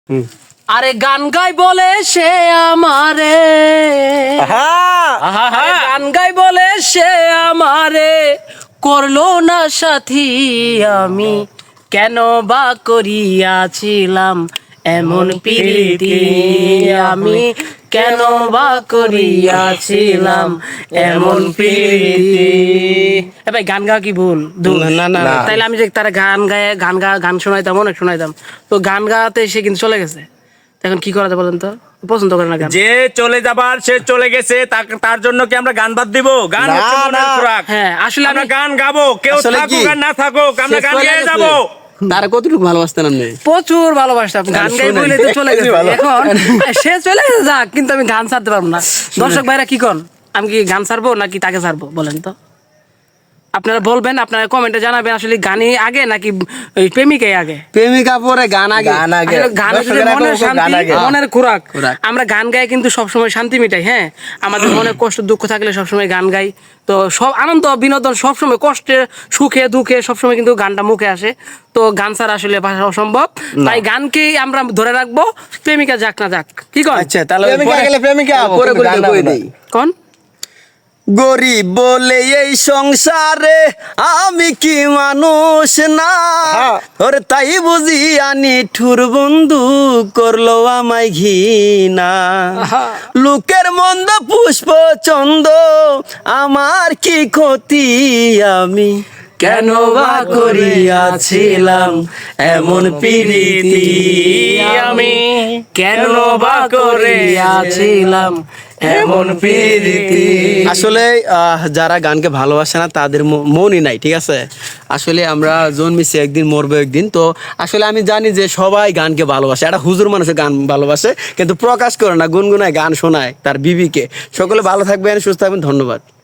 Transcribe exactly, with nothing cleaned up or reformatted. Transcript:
আরে গান গাই বলে সে আমারে, আরে গান গাই বলে সে আমারে করলো না সাথী, আমি কেন বা করিয়াছিলাম এমন প্রীতি, আমি কেন বা করিয়াছিলাম এমন প্রীতি। এ ভাই গান গাওয়া কি ভুল? না না তাইলে আমি যে তারা গান গায়ে গান গা গান শোনাইতাম, অনেক শোনাইতাম, তো গান গাতে সে কিন্তু চলে গেছে। এখন কি করাতে বলেন তো? পছন্দ করে না গান। যে চলে যাবার সে চলে গেছে, তাক- তার জন্য কি আমরা গান বাদ দিব? গান না, হচ্ছে মনের না। খোরাক। হ্যাঁ, আসলে আমরা আমি গান গাবো, কেউ আসলে থাকুক কি? আর না থাকুক, আমরা সে গান চলে গেয়ে গেছে। যাবো। তার কতটুকু ভালোবাসতেন আপনি? প্রচুর ভালোবাসতাম, গান গাই শুনেন। বলে তো চলে গেছে। এখন সে চলে গেছে যাক, কিন্তু আমি গান ছাড়তে পারবো না। দর্শক ভাইরা কি কন, আমি কি গান ছাড়বো নাকি তাকে ছাড়বো বলেন তো? আপনারা বলবেন, আপনারা কমেন্টে জানাবেন আসলে গানই আগে নাকি ওই প্রেমিকাই আগে। প্রেমিকা পরে গান আগে। গান আগে। আসলে গান হচ্ছে দর্শকেরা মনের এখন গান শান্তি, আগে। মনের খোরাক। খোরাক। আমরা গান গাই কিন্তু সবসময় শান্তি মিটাই। হ্যাঁ, আমাদের মনে কষ্ট দুঃখ থাকলে সবসময় গান গাই। তো সব আনন্দ বিনোদন সবসময়, কষ্টে সুখে দুঃখে সবসময় কিন্তু গানটা মুখে আসে। তো গান ছাড়া আসলে ভাষা অসম্ভব, তাই গানকেই আমরা ধরে রাখবো, প্রেমিকা যাক না যাক। কি কন? আচ্ছা তাহলে প্রেমিকা পরে- গেলে প্রেমিকা, পরে কিন্তু করে গান কই গাবো না। দেই। কন গরিব বলে এই সংসারে আমি কি মানুষ না, হ্যাঁ। ওরে তাই বুঝি আনি ঠুর বন্ধু করলো আমায় ঘৃণা, আহা। লোকের মন্দ পুষ্প চন্দ আমার কি ক্ষতি, আমি কেন বা করিয়াছিলাম এমন প্রীতি, আমি কেন বা করিয়াছিলাম এমন প্রীতি। আসলে আহ, যারা গানকে ভালোবাসে না তাদের ম- মনই নাই, ঠিক আছে। আসলে আমরা জন্মেছি একদিন, মরবো একদিন। তো আসলে আমি জানি যে সবাই গানকে ভালোবাসে, একটা হুজুর মানুষের গান ভালোবাসে কিন্তু প্রকাশ করে না, গুনগুনায় গান শোনায় তার বিবিকে। সকলে ভালো থাকবেন, সুস্থ থাকবেন, ধন্যবাদ।